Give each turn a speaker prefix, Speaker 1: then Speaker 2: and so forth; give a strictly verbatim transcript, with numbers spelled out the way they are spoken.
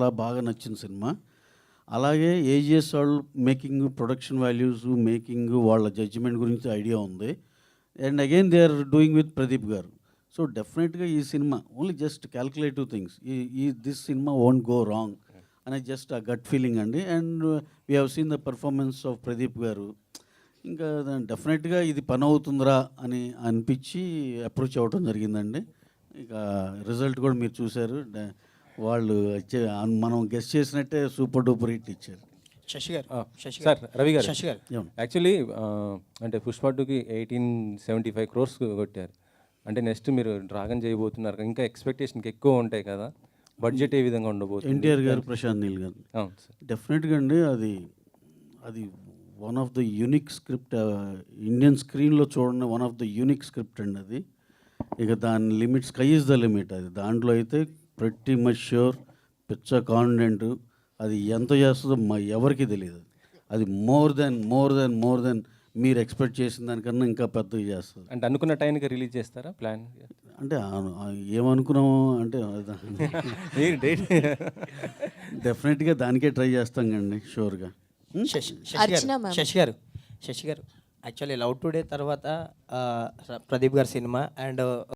Speaker 1: చాలా బాగా నచ్చిన సినిమా. అలాగే ఏజిఎస్ వాళ్ళు మేకింగ్, ప్రొడక్షన్ వాల్యూస్, మేకింగ్, వాళ్ళ జడ్జిమెంట్ గురించి ఐడియా ఉంది. And again they are doing with Pradeep గారు. సో డెఫినెట్గా ఈ cinema only just calculative things, ఈ ఈ this cinema won't go wrong అనే జస్ట్ ఆ గట్ ఫీలింగ్ అండి. And we have seen the performance of Pradeep గారు. ఇంకా డెఫినెట్గా ఇది పని అవుతుందిరా అని అనిపించి అప్రోచ్ అవ్వడం జరిగిందండి. ఇక రిజల్ట్ కూడా మీరు చూశారు. డ- వాళ్ళు ఇచ్చే మనం గెస్ట్ చేసినట్టే సూపర్ డూపర్ హిట్ ఇచ్చారు.
Speaker 2: శశి గారు శశి
Speaker 3: సార్ రవి గారు,
Speaker 2: శశి గారు
Speaker 1: ఏమండి?
Speaker 3: యాక్చువల్లీ అంటే పుష్ప టూకి ఎయిటీన్ సెవెంటీ ఫైవ్ క్రోర్స్ కొట్టారు. అంటే నెక్స్ట్ మీరు డ్రాగన్ చేయబోతున్నారు, ఇంకా ఎక్స్పెక్టేషన్కి ఎక్కువ ఉంటాయి కదా, బడ్జెట్ ఏ విధంగా ఉండబోతుంది?
Speaker 1: ఎన్టీఆర్ గారు, ప్రశాంత్ నీల్ గారు.
Speaker 3: అవును సార్.
Speaker 1: డెఫినెట్గా అండి, అది అది one of the unique script, Indian స్క్రీన్లో చూడండి, one of the unique script అండి అది. ఇక దాని limit, sky is the limit. అది దాంట్లో అయితే ప్రతి మచ్ ష్యూర్, పిచ్చ కాన్ఫిడెంట్. అది ఎంత చేస్తుందో మా ఎవరికి తెలియదు. అది more than more than more than మీరు ఎక్స్పెక్ట్ చేసిన దానికన్నా ఇంకా పెద్దగా చేస్తుంది.
Speaker 3: అంటే అనుకున్న టైంకి రిలీజ్ చేస్తారా ప్లాన్?
Speaker 1: అంటే ఆ- ఆ ఏమనుకున్నాము అంటే
Speaker 3: డేట్
Speaker 1: డెఫినెట్గా దానికే ట్రై చేస్తాం కండి, షూర్గా.
Speaker 2: శశి శశి
Speaker 4: అర్చన
Speaker 2: గారు
Speaker 4: ma'am.
Speaker 2: శశి గారు శశి గారు యాక్చువల్లీ లవ్ టుడే తర్వాత ఆ, ప్రదీప్ గారి సినిమా అండ్